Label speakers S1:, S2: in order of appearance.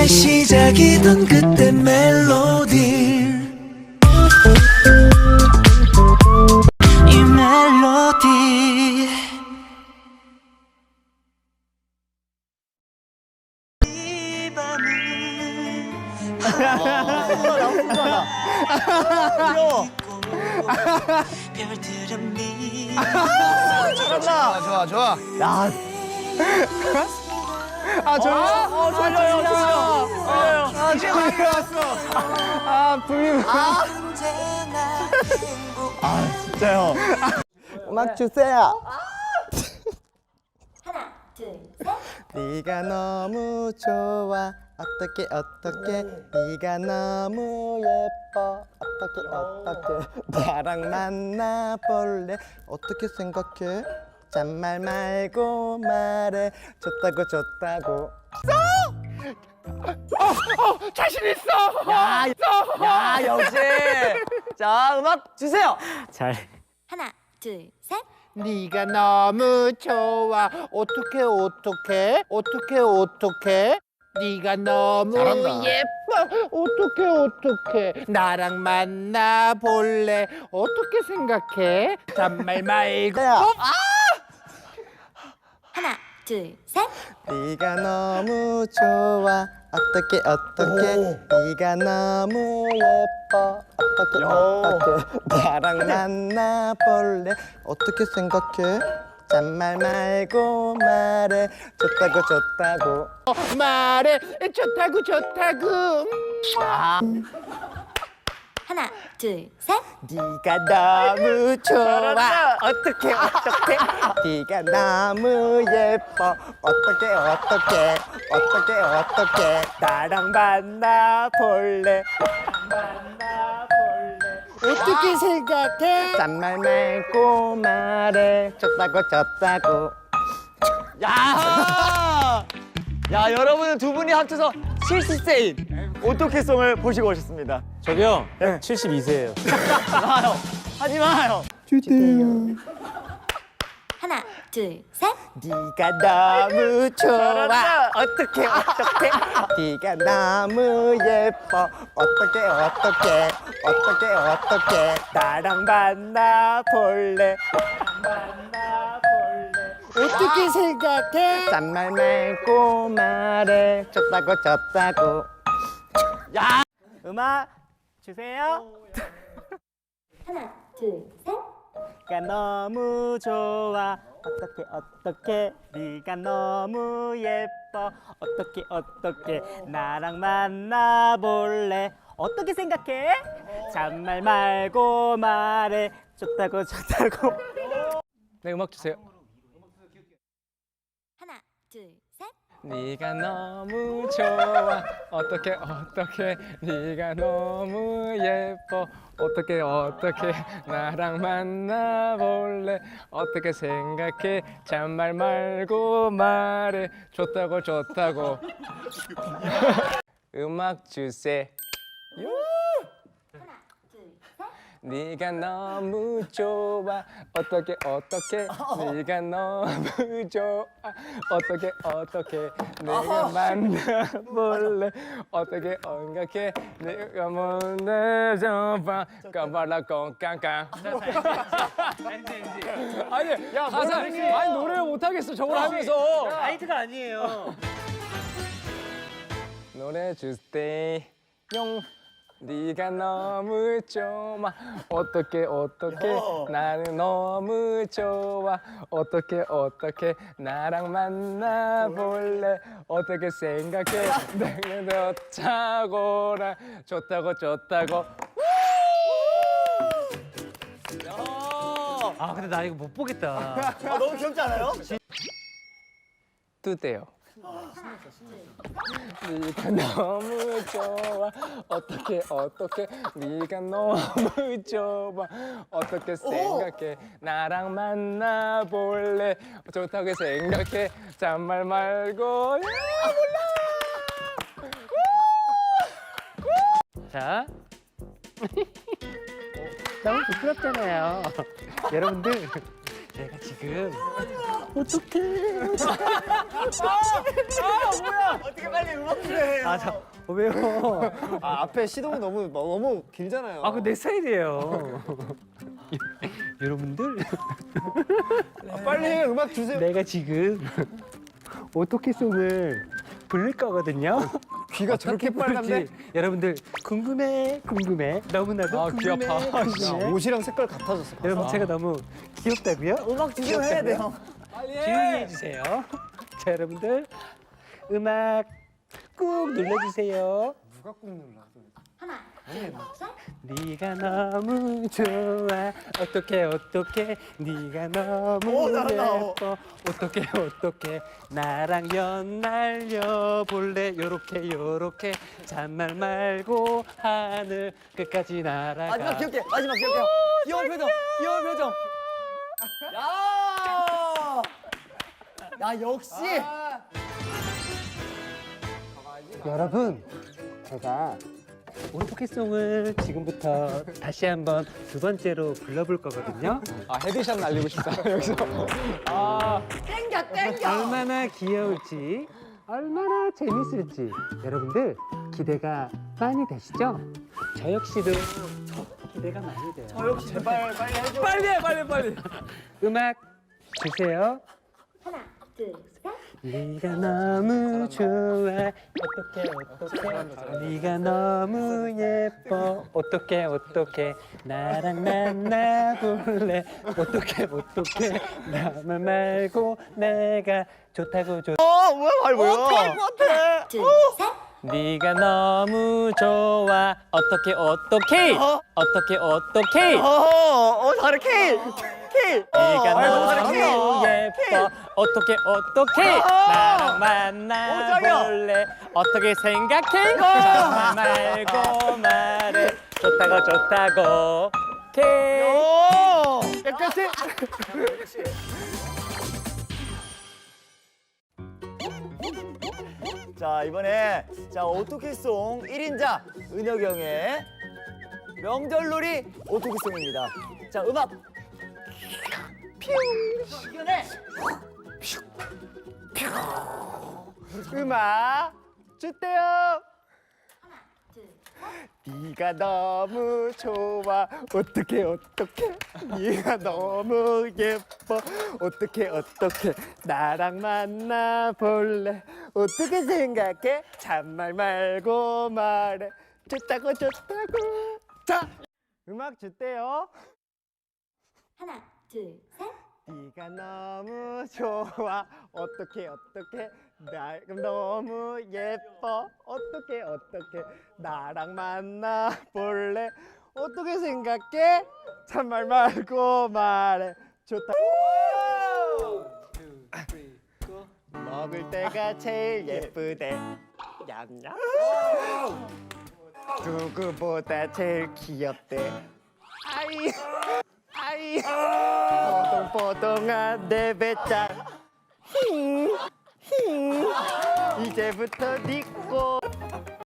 S1: 시작이던 그때 멜로디 이 멜로디 이 밤을
S2: 귀여워.
S1: 별들은 미
S2: 잘한다. 좋아, 좋아. 야. 졸려요. 졸려요. 왔어. 불림. 진짜요. 음악 주세요.
S3: 하나, 둘, 셋.
S2: 네가 너무 좋아. 어떻게 네가 너무 예뻐. 어떻게 나랑 만나볼래. 어떻게 생각해? 잔말 말고 말해. 좋다고 자신 있어. 야 역시. 자 음악 주세요. 잘.
S3: 하나, 둘, 셋.
S4: 네가 너무 좋아. 어떡해 네가 너무
S2: 잘한다.
S4: 예뻐. 어떡해 나랑 만나볼래. 어떻게 생각해? 잔말 말고.
S3: 하나, 둘, 셋.
S2: 네가 너무 좋아. 어떻게 네가 너무 예뻐. 어떻게 나랑 만나볼래. 어떻게 생각해? 잔말 말고 말해. 좋다고
S4: 말해. 좋다고.
S3: 하나, 둘, 셋.
S2: 네가 너무 좋아. 어떻게 네가 너무 예뻐. 어떻게 나랑 만나볼래.
S4: 어떻게 생각해?
S2: 잔말 말고 말해. 좋다고
S5: 야, 여러분은 두 분이 합쳐서 70세인 오토캐송을 보시고 오셨습니다.
S6: 저기요, 72세예요.
S5: 하지 마요.
S3: 하나, 둘, 셋.
S2: 네가 너무 좋아.
S5: 잘한다.
S2: 어떻게 네가 너무 예뻐. 어떻게 나랑 만나볼래.
S4: 어떻게 생각해?
S2: 잔말 말고 말해. 좋다고
S5: 음악 주세요.
S3: 하나, 둘, 셋.
S5: 네가 너무 좋아. 어떻게 네가 너무 예뻐. 어떻게 나랑 만나볼래. 어떻게 생각해? 잔말 말고 말해. 좋다고
S6: 네, 음악 주세요.
S3: 하나, 둘, 셋.
S6: 네가 너무 좋아. 어떻게 네가 너무 예뻐. 어떻게 나랑 만나볼래. 어떻게 생각해? 잔말 말고 말해. 좋다고 음악 주세요.
S3: 하나, 둘, 셋.
S6: 네가 너무 좋아. 어떻게 네가 너무 좋아. 어떻게 내가 만나볼래. 어떻게 생각해? 내가 만나줘봐. 까발라 꽁깡깡. 아니 야 가사 아니 노래를 못하겠어 저걸 하면서.
S5: 라이트가 아니에요.
S6: 노래 주세요. 네가 너무 좋아. 어떻게 나는 너무 좋아. 어떻게 나랑 만나볼래. 어떻게 생각해? 내가 좋다고라. 좋다고
S5: 아 근데 나 이거 못 보겠다.
S2: 너무 귀엽지 않아요?
S6: 뜨대요. 네가 너무 좋아. 어떻게 네가 너무 좋아. 어떻게 생각해? 나랑 만나볼래. 좋다고 생각해. 잔말 말고.
S5: 자. 너무 부끄럽잖아요. 여러분들, 제가 지금
S2: 어떻게 빨리 음악 해?
S5: 왜요?
S2: 아, 앞에 시동이 너무 길잖아요.
S5: 아, 그 내 스타일이에요. 여러분들,
S2: 빨리 해, 음악 주세요.
S5: 내가 지금 오토캐송을 부를 거거든요.
S2: 귀가 저렇게 빨간데?
S5: 여러분들 궁금해. 너무나도 궁금해. 궁금해.
S2: 옷이랑 색깔 같아졌어.
S5: 여러분 제가 너무 귀엽다고요?
S2: 음악 주세요 해야 돼요.
S5: 조용히 해주세요. 자, 여러분들 음악 꾹 눌러주세요.
S2: 누가 꾹 눌러?
S3: 하나, 둘, 셋.
S5: 네가 너무 좋아. 어떡해 네가 너무
S2: 잘한다.
S5: 예뻐. 어떡해 나랑 연 날려볼래. 요렇게 잔말 말고 하늘 끝까지 날아가.
S2: 마지막 기억해. 귀여운 표정. 야, 역시.
S5: 여러분, 제가 오토캐송을 지금부터 다시 한번 두 번째로 불러볼 거거든요.
S2: 헤드샷 날리고 싶다, 여기서.
S5: 얼마나 귀여울지, 얼마나 재밌을지 여러분들 기대가 많이 되시죠? 저 역시도 기대가 많이 돼요.
S2: 역시 제발 빨리 해줘.
S6: 빨리.
S5: 음악 주세요.
S3: 하나, 둘, 셋.
S5: 네가 너무 좋아. 어떡해 네가 너무 예뻐. 어떡해 나랑 만나볼래. 어떡해 나만 말고 내가 좋다고
S2: 뭐야?
S3: 하나, 둘, 셋.
S5: 네가 너무 좋아. 어떡해
S2: 잘해, K.
S5: 네가
S2: 너무
S5: 너무 예뻐. 어떡해 나랑 만나볼래. 어떻게 생각해? 잠깐 말고 말해. 좋다고 오케이.
S2: 깨끗이. 자, 이번에 오토키송 1인자 은혁이 형의 명절놀이 오토키송입니다. 자, 음악.
S4: 음악 주대요.
S3: 둘,
S4: 네가 너무 좋아. 어떡해 네가 너무 예뻐. 어떡해 나랑 만나볼래. 어떻게 생각해? 잔말 말고 말해. 좋다고 자, 음악 주대요.
S3: 하나, 둘, 셋.
S4: 네가 너무 좋아. 어떡해 나 너무 예뻐. 어떡해 나랑 만나볼래. 어떻게 생각해? 잔말 말고 말해. 좋다. 먹을 때가 제일 예쁘대. 냠냠. 누구보다 제일 귀엽대. 아이 뽀동뽀동한 내 배짱. 이제부터 니꼬